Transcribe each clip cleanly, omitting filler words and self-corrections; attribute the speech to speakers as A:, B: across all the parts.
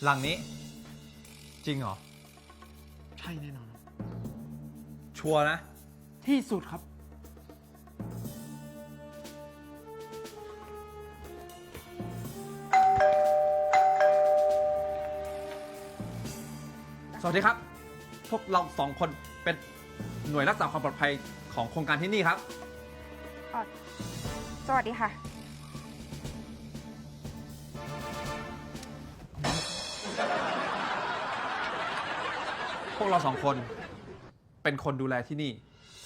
A: หลังนี้จริงเหรอ
B: ใช่แน่นอน
A: ชัวร์นะ
B: ที่สุดครับ
A: สวัสดีครับ พวกเราสองคนเป็นหน่วยรักษาความปลอดภัยของโครงการที่นี่ครับ
C: สวัสดีค่ะ
A: พวกเราสองคนเป็นคนดูแลที่นี่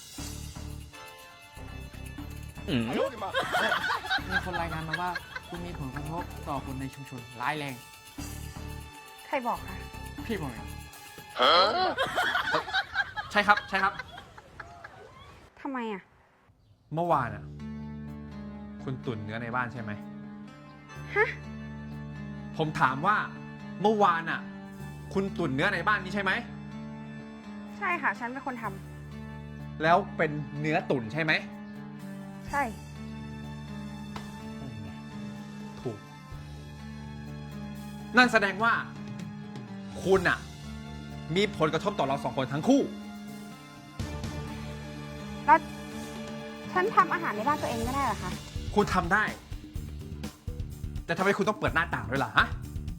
B: มีคนรายงานมาว่าคุณมีผลกระทบต่อคนในชุมชนร้ายแรง
C: ใครบอกคะ
B: พี่บอกเลย
A: ใช่ครับใช่ครับ
C: ทำไมอ่ะ
A: เมื่อวานอ่ะคุณตุ่นเนื้อในบ้านใช่ไหม
C: ฮะ
A: ผมถามว่าเมื่อวานอ่ะ คุณตุ่นเนื้อในบ้านนี้ใช่ไหม
C: ใช่ค่ะ ฉันเป็นคนทำ
A: แล้วเป็นเนื้อตุ่นใช่ไหม
C: ใช่
A: ถูก นั่นแสดงว่า คุณอ่ะ มีผลกระทบต่อเราสองคนทั้งคู่
C: แล้วฉันทำอาหารในบ้านตัวเองไม่ได้เหรอคะ
A: คุณทำได้ แต่ทำไมคุณต้องเปิดหน้าต่างด้วยล่ะฮะ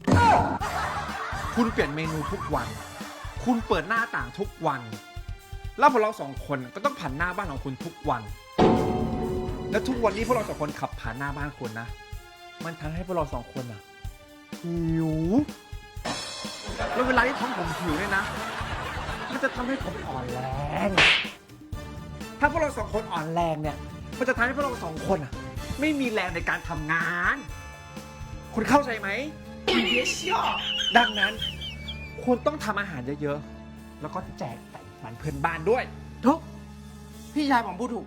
A: คุณเปลี่ยนเมนูทุกวัน คุณเปิดหน้าต่างทุกวัน แล้วพวกเราสองคนก็ต้องผ่านหน้าบ้านของคุณทุกวัน และทุกวันนี้พวกเราสองคนขับผ่านหน้าบ้านคุณนะ มันทำให้พวกเราสองคนอะหิว แล้วเวลาที่ท้องผมหิวเนี่ยนะ มันจะทำให้ผมอ่อนแรง ถ้าพวกเราสองคนอ่อนแรงเนี่ย มันจะทำให้พวกเราสองคนอะไม่มีแรงในการทำงาน คุณเข้าใจไหม ดังนั้น คุณต้องทำอาหารเยอะๆ แล้วก็แจกไก่มันเพื่อนบ้านด้วย
B: ทุก พี่ชายผมพูดถูก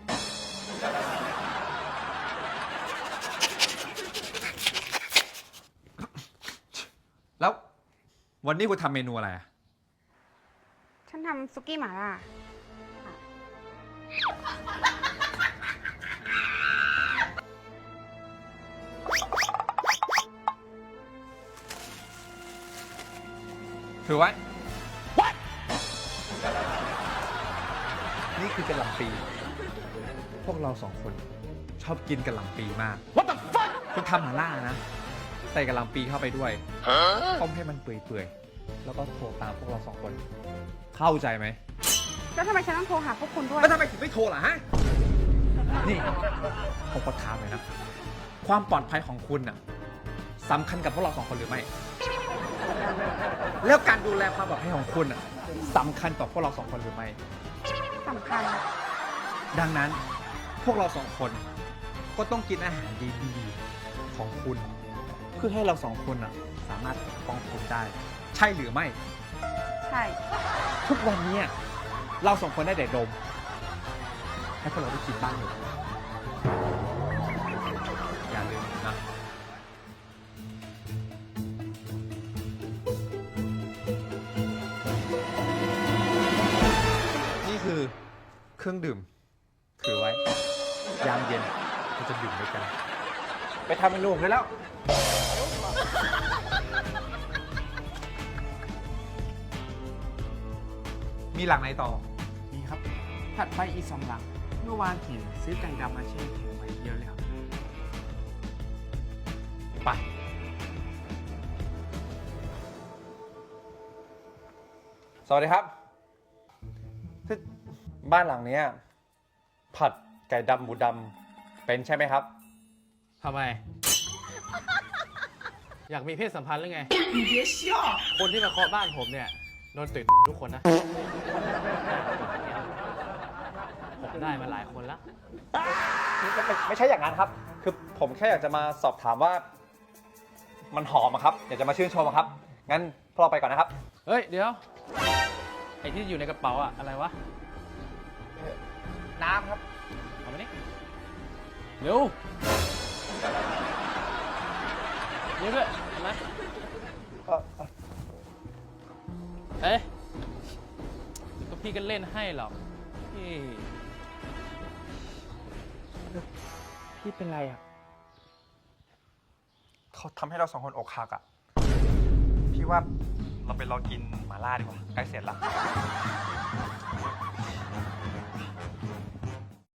A: แล้ววันนี้คุณทำเมนูอะไรอะ
C: ฉันทำซุกี้หม่าล่า
A: ถือไว้ นี่คือกะหล่ำปี พวกเราสองคนชอบกินกะหล่ำปีมาก What the fuck คุณทำหม่าล่านะ ใส่กะหล่ำปีเข้าไปด้วยต้มให้มันเปื่อยๆ แล้วก็โทรตามพวกเราสองคน เข้าใจไหม
C: แล้วทำไมฉันต้องโทรหาพวกคุณด้วย
A: แล้วทำไมถึงไม่โทรล่ะฮะ นี่ผมขอถามเลยนะ ความปลอดภัยของคุณน่ะสำคัญกับพวกเราสองคนหรือไม่ แล้วการดูแลความปลอดภัยของคุณน่ะสำคัญต่อพวกเราสองคนหรือไม่
C: สำคัญ
A: ดังนั้นพวกเราสองคนก็ต้องกินอาหารดีๆของคุณ เพื่อให้เราสองคนน่ะสามารถปกป้องคุณได้ ใช่หรือไม่
C: ใช่
A: ทุกวันเนี้ยเราสองคนได้แต่ดม ให้พวกเราได้กินบ้างเลยอย่าลืมนะ นี่คือเครื่องดื่ม ถือไว้ ยามเย็นเราจะดื่มด้วยกัน ไปทำเมนูกันแล้ว มีหลังไหนต่อ
B: มีครับ ถัดไปอีก2 หลัง เมื่อวานเห็นซื้อไก่ดำมาแช่แข็งไว้เยอะเลยครับ
A: ไป สวัสดีครับที่บ้านหลังเนี้ยผัดไก่ดำหมูดำเป็นใช่ไหมครับ
D: ทำไม อยากมีเพศสัมพันธ์หรือไง คนที่มาเคาะบ้านผมเนี่ยโดนตื่นทุกคนนะ ผมได้มาหลายคนแล้ว
A: ไม่ใช่อย่างนั้นครับ คือผมแค่อยากจะมาสอบถามว่า มันหอมอะครับ อยากจะมาชื่นชมอะครับ งั้นพวกเราไปก่อนนะครับ
D: เฮ้ย เดี๋ยว ไอ้ที่อยู่ในกระเป๋าอะอะไรวะ
A: น้ำครับ
D: เอามานี่เร็วเร็วด้วยเอามาเอ๊ะก็พี่ก็เล่นให้หรอกพี่
B: พี่เป็นไรอ่ะ
A: เขาทำให้เราสองคนอกหักอ่ะ พี่ว่าว่าเราไปรอกินหม่าล่าดีกว่า ใกล้เสร็จแล้ว